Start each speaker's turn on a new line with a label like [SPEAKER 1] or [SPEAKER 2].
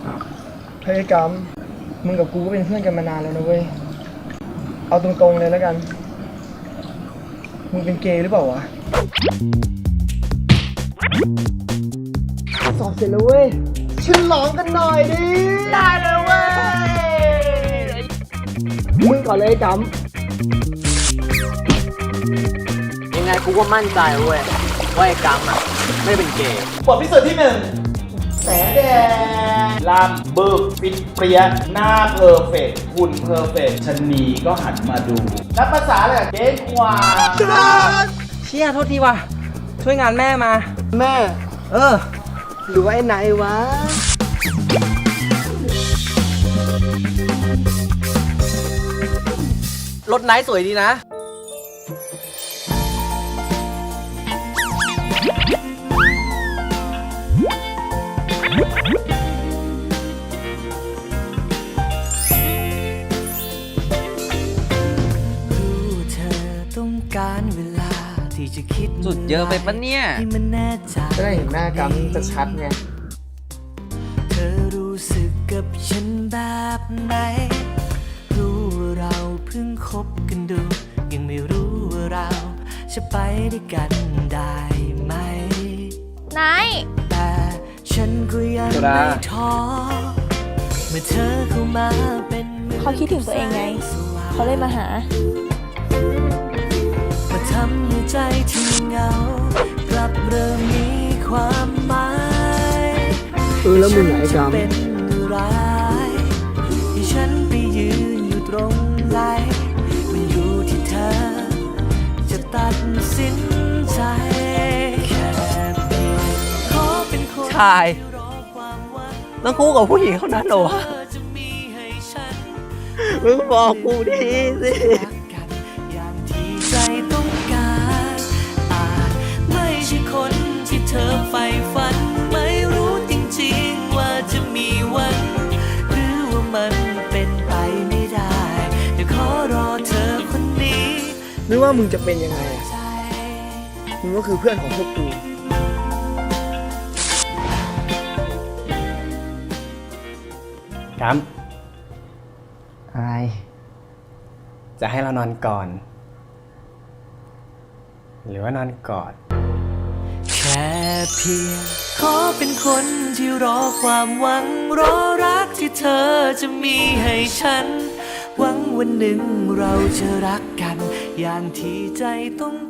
[SPEAKER 1] เฮ้ยกัมมึงกับกูก็เป็นเพื่อนกันมานานแล้วนะเว้ยเอาตรงๆเลยแล้วกันมึงเป็นเกย์หรือเปล่าวะสอบเสร็จแล้วเว้ยฉลองกันหน่อยดิได้เลยเว้ยมึงก่อนเลยกัม
[SPEAKER 2] ยังไงกูก็มั่นใจเว้ยว่าไอ้กัมอ่ะไม่เป็นเกย์
[SPEAKER 3] บทพิสูจน์ที่1แสแดงลำบึกฟิตเปรี้ยหน้าเพอร์เฟกต์หุ่นเพอร์เฟกต์ชะนีก็หันมาดูนับภาษาเลยเก้งกว่า
[SPEAKER 2] เชี่ยโทษทีว่ะช่วยงานแม่มา
[SPEAKER 1] แม่หรือว่าไอ้ไหนวะ
[SPEAKER 2] รถไนท์สวยดีนะ
[SPEAKER 4] การเวลาที่จะคิด
[SPEAKER 2] สุดเยอะไปปะเนี่ย
[SPEAKER 4] ที่มันแน่ใจ
[SPEAKER 1] จะได้เห็นหน้ากัมจะชัดไง
[SPEAKER 4] เธอรู้สึกกับฉันแบบไหนรู้ว่าเราเพิ่งคบกันดูยังไม่รู้ว่าเราจะไปด้วยกันได้ไหม
[SPEAKER 5] นาย
[SPEAKER 4] แต่ฉันก็ยังไม่ท้อเมื่อเธอเข้ามาเป็น
[SPEAKER 5] เขาคิดถึงตัวเองไงเขาเลยมาหา
[SPEAKER 4] มาทำให้ใจที่เหงากลับเริ่มมีความหมาย
[SPEAKER 1] แล้วมึงไอ้กัม
[SPEAKER 4] เป็นไรที่ฉันไปยืนอยู่ตรงไหนมันอยู่ที่เธอจะตัดสินใจแค่เพียงขอเป็นคน
[SPEAKER 2] ชายต้องคู่กับผู้หญิงเท่านั้นเหรอวะมึงบอกกูดีสิ
[SPEAKER 4] ใจต้องการอาจไม่ใช่คนที่เธอใฝ่ฝันไม่รู้จริงๆว่าจะมีวันหรือว่ามันเป็นไปไม่ได้แต่ขอรอเธอคนนี้
[SPEAKER 1] ไม่ว่ามึงจะเป็นยังไงมึงก็คือเพื่อนของพวกกู
[SPEAKER 6] กัม
[SPEAKER 1] อะไร
[SPEAKER 6] จะให้เรานอนก่อนหรือว่านอนกอด
[SPEAKER 4] แค่เพียงขอเป็นคนที่รอความหวังรอรักที่เธอจะมีให้ฉันหวังวันหนึ่งเราจะรักกันอย่างที่ใจต้อง